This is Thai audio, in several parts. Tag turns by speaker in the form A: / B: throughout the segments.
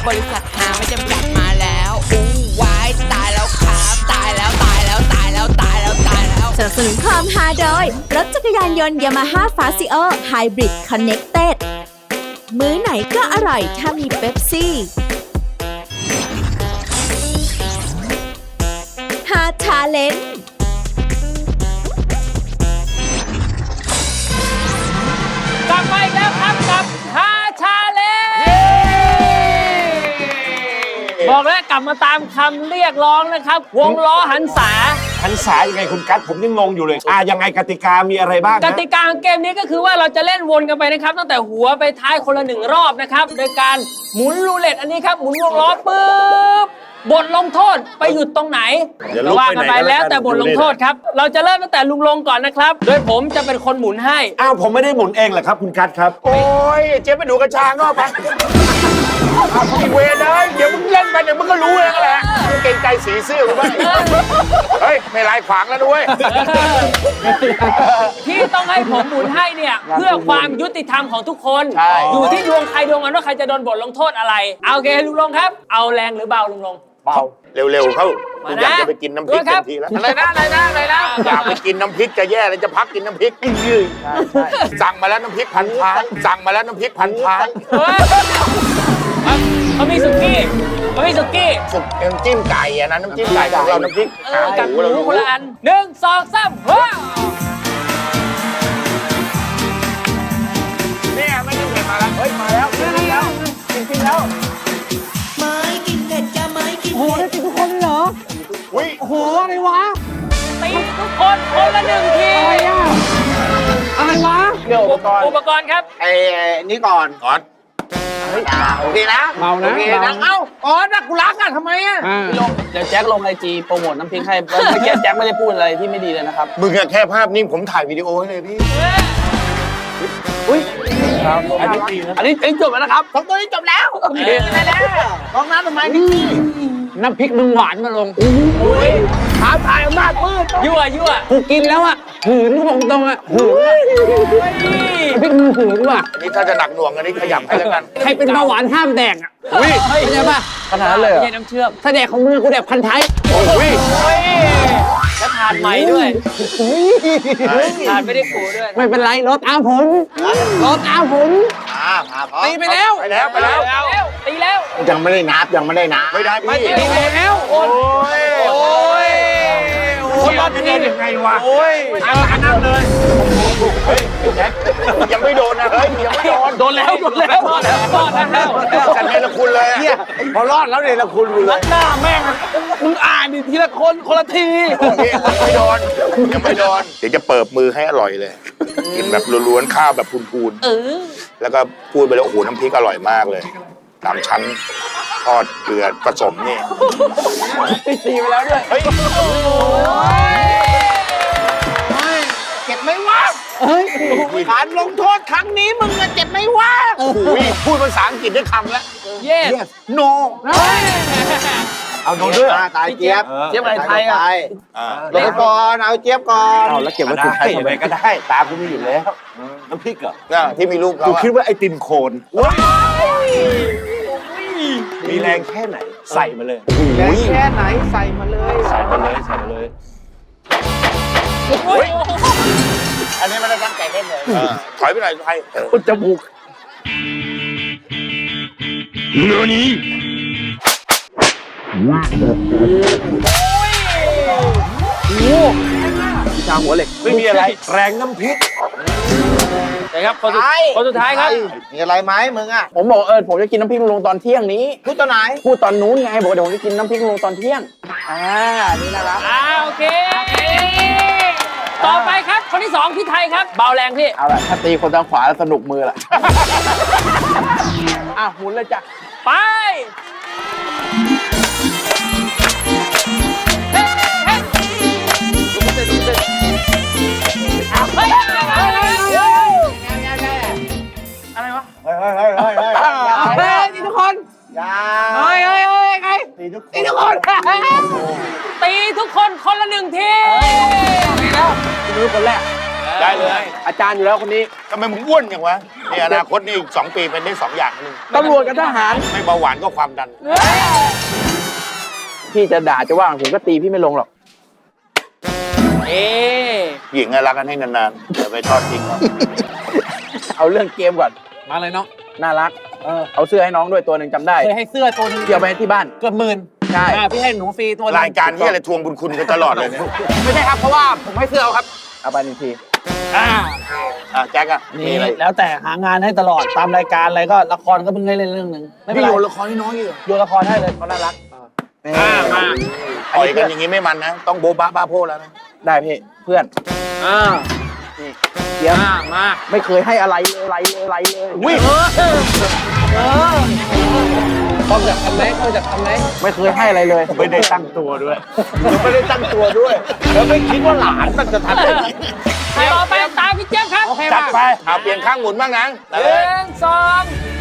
A: บริษัทหาไม่จำกัดมาแล้วอู้วายตายแล้วครับตายแล้วตายแล้วตายแล้วตายแล้วตายแล้ว
B: สนับสนุนความฮาโดยรถจักรยานยนต์ Yamaha Fazio Hybrid Connected มื้อไหนก็อร่อยถ้ามีเป๊ปซี่ฮาชาเลนจ์
C: กลับมาอีกแล้วครับกับฮาชาเลนจ์บอกแล้วกลับมาตามคำเรียกร้องนะครับ วงล้อหันษา
D: ยังไงคุณกั๊ดผมยังงงอยู่เลยยังไงกติกามีอะไรบ้าง
C: กติกาของเกมนี้ก็คือว่าเราจะเล่นวนกันไปนะครับตั้งแต่หัวไปท้ายคนละ1 รอบนะครับโดยการหมุนรูเล็ตอันนี้ครับหมุนวงล้อปุ๊บบทลงโทษไปหยุดตรงไหนก็ว่ากันไปแล้วแต่บทลงโทษครับเราจะเริ่มตั้งแต่ลุงลงก่อนนะครับโดยผมจะเป็นคนหมุนให้
D: ผมไม่ได้หมุนเองเหรอครับคุณกั๊ดครับ
E: โอ้ยเจ๊ไปดูกระชางก็ไปอีเวรเลยเดี๋ยวมึงเล่นไปเดี๋ยวมึงก็รู้เองแหละเก่งใจสีเสื้อกูบ้างเฮ้ยไม่ลายขวางแล้วด้วย
C: ที่ต้องให้ผมหมุนให้เนี่ยเพื่อความยุติธรรมของทุกคนอยู่ที่ดวงใครดวงมันว่าใครจะโดนบทลงโทษอะไรโอเคลุงลงครับเอาแรงหรือเบาลุงลง
E: เบาเร็วๆเข้าอยากจะไปกินน้ำพริกทันทีแล้วอะไรนะอยากไปกินน้ำพริกจะแย่เลยจะพักกินน้ำพริกสั่งมาแล้วน้ำพริกพันท้ายสั่งมาแล้วน้ำพริกพันท้าย
C: เขามีสุกี้
E: สุกน้ำจิ้มไก่อะนะน้ำจิ้มไก่ของเราน้ำพริก
C: กับหมูคนละอัน1 2 3ว้าว
E: เนี่ยไม่ได้เห็นมาแล้วเฮ้ยมาแล้วกินแล้ว
A: ไม่กินเผ็ดจะไม่กิน
C: โอ้โหได้กินทุกคนเลยเหรอ
E: อุ้ย
C: โอ้โหอะไรวะตีทุกคนคนละ1 ทีอะไรวะอุปกรณ์ครับ
E: นี่ก่อนโอเคนะ
C: เมานะ
E: เอ้านักกูรักอ่ะทำไมอ่ะ
F: พี่ลงเดี๋ยวแจ็คลงIG โปรโมทน้ำพริกให้เมื่อกี้แจ็คไม่ได้พูดอะไรที่ไม่ดีเลยนะครับ
E: มึงแค่ภาพนิ่งผมถ่ายวิดีโอให้เลยพี่
F: อุ้ยอันนี้จบแล้วนะครับ
E: ของตัวนี้จบแล้วโอเคแล้วกองน้ำทำไมนี่
F: น้ำพริกมึงหวานมาลง
E: ท้าทายอำนาจมืด
C: ยั่ว
F: กูกินแล้วอ่ะหืนกูบอกตรงอ่ะหืนพริกมึงหืนว่ะ
E: นี่ถ้าจะหนักหน่วงอันนี้ขยับให้แล้วกัน
F: ใครเป็นเบาหวานห้ามแดกอ่ะเข้าใจป่ะ
C: ขนาดนั้นเลยไม่ใช่น้ำเชื่อม
F: ถ้าแดกของมึงกูแดกพันท้าย
C: แล้วทานใหม่ด้วยทานไม่ได้ปูด้วย
F: ไม่เป็นไรรถอาผม
C: ตีไปแล้ว
E: ตีแล้วยังไม่ได้นับไม่ได้พี่
C: ตีแล้วโอ้ย
E: คนรอดเป็นยังไงวะนั่งเลยเฮ้ยแจ็คยังไม่โดนนะเฮ้ยยังไม่
C: โดนแล้ว
E: ฉันเนรคุณเลยพอรอดแล้วเนรคุณเลย
C: หน้าแม่งมึงอ่านดิทีละคนละที
E: ยังไม่โดนเดี๋ยวจะเปิดมือให้อร่อยเลยกินแบบล้วนๆข้าวแบบพูนๆแล้วก็พูดไปแล้วโอ้โหน้ำพริกอร่อยมากเลย3 ชั้นทอดเกลือผสมนี่
F: ตีไปแล้วด้วย
E: เฮ้ยเจ็บไหมวะการลงโทษครั้งนี้มึงเจ็บไหมวะพูดภาษาอังกฤษได้คำแล้ว
C: yes
E: no
D: เอาโดนด้วย
E: ตายเจี๊ยบ
F: อะไรไทยอ่ะ
E: ลงก่อนเอาเจี๊ยบก่อน
D: เอาแล้วเก็บไว้คุณไทยทำไมก็ได้ตาคุณมีอยู่แล้วน้ำพริกเหรอ
E: ที่มีลูก
D: กูคิดว่าไอติมโคนมีแรงแค่ไหนใส่มาเลย
E: แรงแค่ไหนใส่มาเลยอันนี้ไม่ได้ตั้งใจเล่นเลยถอยไปหน่อยไทย
D: อุจจมูกเนื้อนี้
F: ชาหัวเหล็ก
D: ไม่มีอะไรแรงน้ำพริก
C: นะครับคนสุดท้ายครับ
E: มีอะไรไหมมึงอ่ะ
F: ผมบอกผมจะกินน้ำพริกลุงตอนเที่ยงนี้
E: พูดตอนไหน
F: พูดตอนนู้นไงบอกเดี๋ยวผมจะกินน้ำพริกลุงตอนเที่ยงนี่นะครับ
C: โอเคต่อไปครับคนที่2พี่ไทยครับเบาแรงพี่
F: เอาล่ะถ้าตีคนทางขวาสนุกมือละหมุนเลยจ้ะ
C: ไปอะไรวะ
F: ตีทุกคนใครตีทุกคน
C: ตีทุกคนคนละ1 ที
F: ตีแล้วดูคนแรก
E: ได้เลย
F: อาจารย์อยู่แล้วคนนี้
E: ทำไมมึงอ้วนอย่างวะนี่อนาคตนี่อีก2 ปีเป็นได้2 อย่างนึง
F: ตำรวจกับทหาร
E: ไม่เบาหวานก็ความดัน
F: พี่จะด่าจะว่าผมก็ตีพี่ไม่ลงหรอก
E: หญิงรักกันให้นานๆอย่าไปทอดทิ้งเขา
F: เอาเรื่องเกมก่อน
G: มาเลยเนาะ
F: น่ารักเอาเสื้อให้น้องด้วยตัวหนึ่งจำได้
G: เคยให้เสื้อตัวนึง
F: เกี่ยวไปที่บ้าน
G: เกือบ10,000
F: ใช่
G: พี่ให้หนูฟรีตัวนึง
E: รายการที่อะไรทวงบุญคุณกันตลอดเลยเนี่ย
G: ไม่ใช่ครับ เพราะว่าผมให้เสื้อเอาครับ
F: เอาไปหนึ่งที
E: แจ็คอะมี
G: นี่
E: อะไร
G: แล้วแต่หางานให้ตลอดตามรายการอะไรก็ละครก็เพิ่งให้เล่นเรื่องหนึ่งไม่เป็น
E: พี่
G: ไร
E: โยนละครให้น้องอีกเหรอ
G: โยนละครให้เลยเขาน่ารัก
E: มาต่อยกันอย่างนี้ไม่มันนะ ต้องโบ๊ะบ้าบ้าโพแล้วนะ
F: ได้พี่เพื่อนเดี๋ยว
G: มา
F: ไม่เคยให้อะไรเลยวิ่ง
G: ต้องจากทำไหม
F: ไม่เคยให้อะไรเลย
D: ไม่ได้ตั้งตัวด้วยไม่ได้ตั้งตัวด้วย แล้วไม่คิดว่าหลานมันจะทำได้
C: ต่อไปตามพี่เจี๊ยบครับ
E: จัดไปเอาเปลี่ยนข้างหมุนบ้างนะ
C: หนึ่งสอง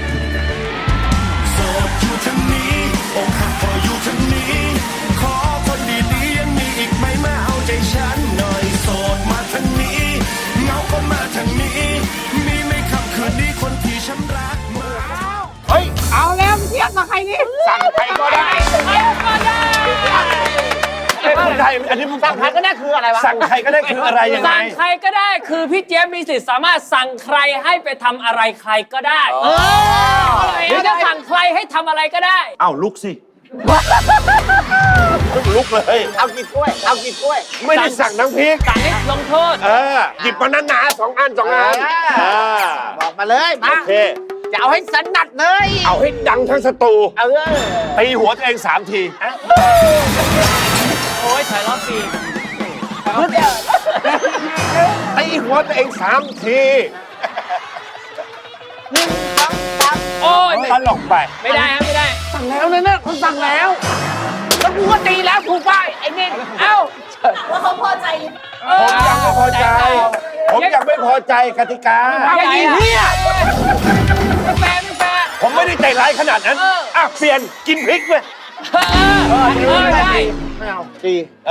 H: ขอคนดีๆยังมีอีกไหมมาเอาใจฉันหน่อยโสดมาทางนี้เงาก็มาทางนี้ มีไหมคำคืนนี้คนที่ฉันรักมา
E: เฮ้ย
C: เอาแล้วพี่เจี๊ยบมาใครนี่
E: สั่งใครก็ได้
C: ก็ได้
D: คนไทยอันนี้มึงสั่งใครก็ได้คืออะไรวะสั่งใครก็ได้คืออะไรยังไง
C: สั่งใครก็ได้คือพี่เจี๊ยบมีสิทธิ์สามารถสั่งใครให้ไปทำอะไรใครก็ได้หรือจะสั่งใครให้ทำอะไรก็ได้
D: เอ้าลุกสิลุกเลย
F: เอากี่ถ้วยเอากี่ถ้วย
D: ไม่ได้สั่งน้ำพริก
C: สั่งให้ลงโทษ
D: หยิบมาหนาๆ2 อัน
F: บอกมาเลยมา
D: โอเค
F: จะเอาให้สนัดเลย
D: เอาให้ดังทั้งสตูตีหัวตัวเอง3 ที
C: โอ้ยถ่ายรอบสี่
D: ตีหัวตัวเอง3 ที
C: โอ้ย
D: ตลกไป
C: ไม่ได้ครับไม่ได้
G: สั่งแล้วเนี่ยคนสั่งแล้วแล้วกูก็ตีแล้วถูกป่ะไอ้นี่
C: เอ้า
B: ว่าเขาพอใจหรือ
D: ผมยังไม่พอใจ ผมยังไม่พอใจกติกา
C: อย่างนี้เนี่ยไม่แฟร์ไม่แฟร์
D: ผมไม่ได้ใจร้ายขนาดนั้นเปลี่ยนกินพริกเลย
C: ได้
F: ไม่เอาตี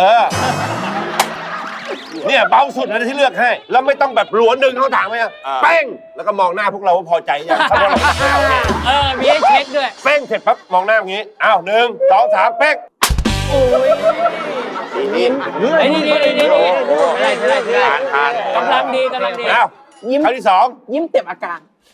D: เนี่ยเบาสุดนะที่เลือกให้ แล้วไม่ต้องแบบหลวนดึงเข้าถางไหมเป้งแล้วก็มองหน้าพวกเราว่าพอใจยังถ้าว่าเราไม่เอาเนี่ย
C: มีให้เช็คด้วย
D: เป้งเสร็จปั๊บมองหน้าอย่างนี้อ้าว1 2 3เป้ง
C: โอ้ย
E: นี่
C: ไอ้นี่ได้
E: ทาน
C: กำลังดีกำลังดี
D: อ้าวครั้งที่2
F: ยิ้มเต็มอาการ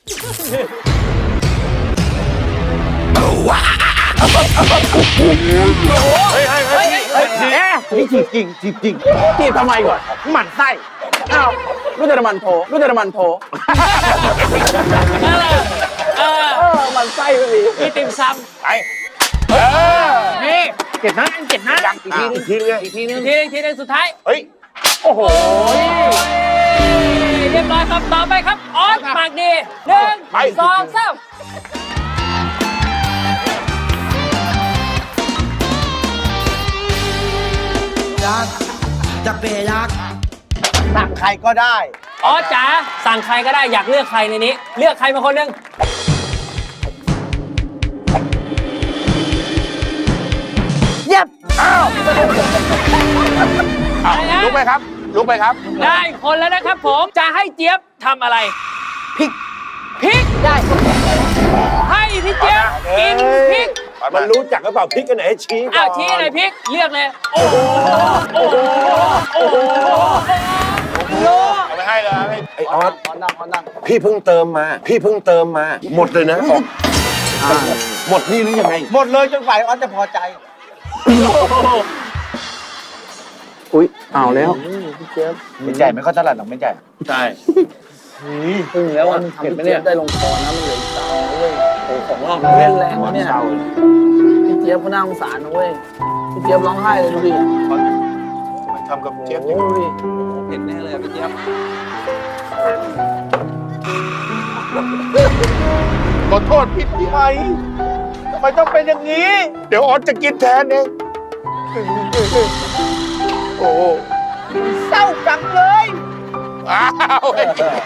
F: นี่จีบจริงจีบทำไมก่อนหมั่นไส้อ้าวรู้จักมันโถหมันไส้ไปดิ
C: มีติ่มซ
E: ไป
C: ำนี่
F: เจ็ดนะอีกทีนึง
D: อีกทีนึง
C: ทีนึงสุดท้าย
E: เฮ้ย
D: โอ้โห
C: เรียบร้อยครับต่อไปครับออสปากดี1 2 3
F: สั่งใครก็ได้
C: ออสจ๋าสั่งใครก็ได้อยากเลือกใครในนี้ เลือกใครมาคนหนึ่ง
F: เย็บ
E: ลุกไปครับ
C: ได้คนแล้วนะครับผมจะให้เจี๊ยบทำอะไรพริกได้ ให้พี่เจี๊ยบกินพริก
D: มันรู้จักหรือเปล่าพริกกันไหนให้ชี้ก่อน
C: อ้าวชี้อะไรพริกเลือกเลยโอ้โห
E: เอาไปให้เลยให้
D: ไอออสพี่เพิ่งเติมมา หมดเลยนะหมดนี่หรือยังไง
F: หมดเลยจนฝ่ายออสจะพอใจ อุ้ยเอาแล้วไม่ใจไม่ค่อยถนัดหรอกไม่ใจ
D: ใช่
G: พึ่งแล้ววันทำพี่เจี๊ยบได้ลงคอนะมันเหลืออีก3นะเว้ยโอ้ของเราเล่นแรงนะเนี่ยพี่เจี๊ยบก็น่าสงสารนะเว้ยพี่เจี๊ยบร้องไห้เลยดูดิ
E: มันทำกับเจี๊ยบ
G: โอ้ดูดิเห็นแน่เลยพี่เจี๊ยบ
E: ขอโทษผิดที่ไหมทำไมต้องเป็นอย่างนี้ เดี๋ยวออสจะกินแทนเองโอ้เศร้าจังเลยอ้าวโอเค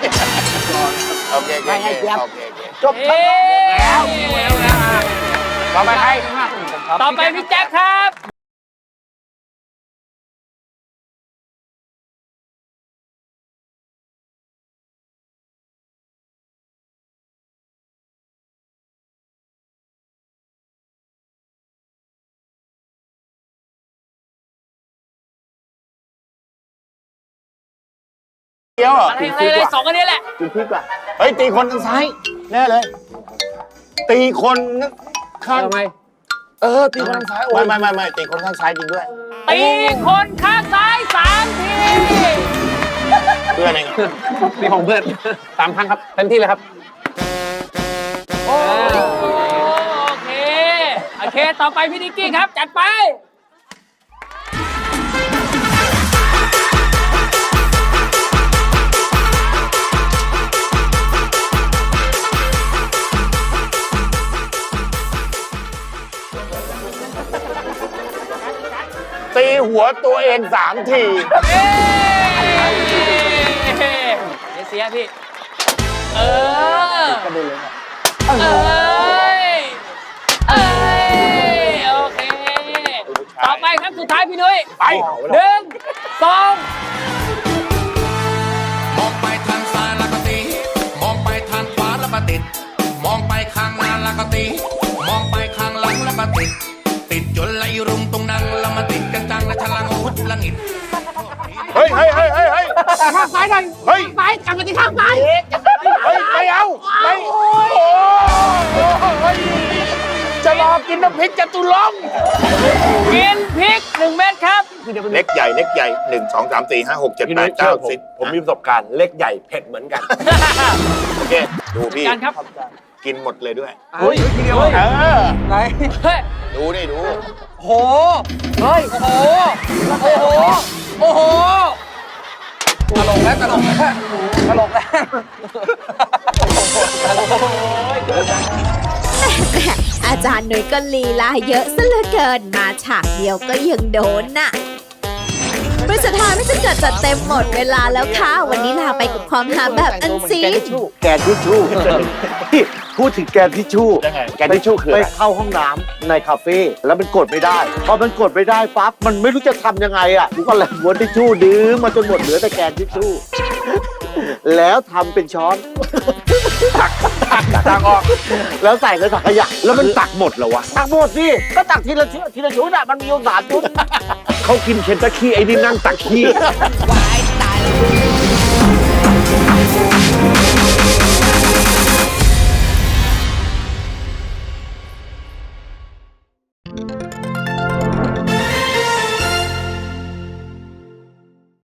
C: จบแล้ว
E: ต่อไปใคร
C: ต่อไปพี่แจ็คครับ
E: เดียวเหรอ
C: อะไรสองอันนี้แหละ
E: กินพริกอ่ะเฮ้ยตีคนทางซ้ายแน่เลย ตีคนข้าง
F: ทำไม
E: ตีคนทางซ้ายไม่ตีคนข้างซ้ายจริงด้วย
C: ตีคนข้างซ้าย3 ที
E: เพื่อนเอง
F: มีของเพื่อน3 ครั้งครับเต็มที่เลยครับ
C: โอเค ต่อไปพี่นิกกี้ครับ จัดไป
E: ตีหัวตัวเอง3 ที
C: เสียพี่ เอ้ย โอเค ต่อไปครับสุดท้ายพี่นุ้ย
E: ไป
C: 1 2
H: มองไปทางซ้ายแล้วก็ตี มองไปทางขวาแล้วก็ติด มองไปข้างหน้าแล้วก็ตี มองไปข้างหลังแล้วก็ติด ติดจนไหลรุมตรงนั้นแล้วมาติดกันจังและฉลังพุดละงิด
E: เฮ้ยข้างซ้ายหน่อยเฮ้ยซ้ายกลับมาที่ข้างซ้ายเฮ้ยไม่เอาไม่โอ้ยจะรอกินน้ำพริกจตุรงค์
C: กินพริก 1 เม็ดครับ
E: เล็กใหญ่1 2 3 4 5 6 7 8 9 10
D: ผมมีประสบการณ์เล็กใหญ่เผ็ดเหมือนกัน
E: โอเคดูพี่
C: การครับ
E: กินหมดเลยด้วย
F: เฮ้ยทีเดียวไหน
C: เฮ้ย
E: ดูนี่ดู
F: โหเฮ้ยโอ้โหตลกแล้ว
B: อาจารย์หนุ่ยก็ลีลาเยอะซะเหลือเกิน มาฉากเดียวก็ยังโดนน่ะบริษัทฮาไม่จะเกิดจัดเต็มหมดเวลาแล้วค่ะ วันนี้ลาไปกับความฮาแบบอันซีน
I: แกนทิชชู่ พูดถึงแกนทิชชู่
E: ยังไงแกนทิชชู่คือ
I: ไป
E: อะไร
I: เข้าห้องน้ำในคาเฟ่แล้วมันกดไม่ได้ พอมันกดไม่ได้ปั๊บมันไม่รู้จะทำยังไงอ่ะกูก็เลยม้วนทิชชู่ดื้อมาจนหมดเหลือแต่แกนทิชชู่ แล้วทำเป็นช้อนตักออกแล้วใส่ในถังขยะแล้วมันตักหมดเหรอวะตักหมดสิก็ตักทีละชุดอ่ะมันมีอยู่3 ชุด
D: เขากินเคนตักขี้ไอ้นี่นั่งตักขี้
A: วายตายแล้ว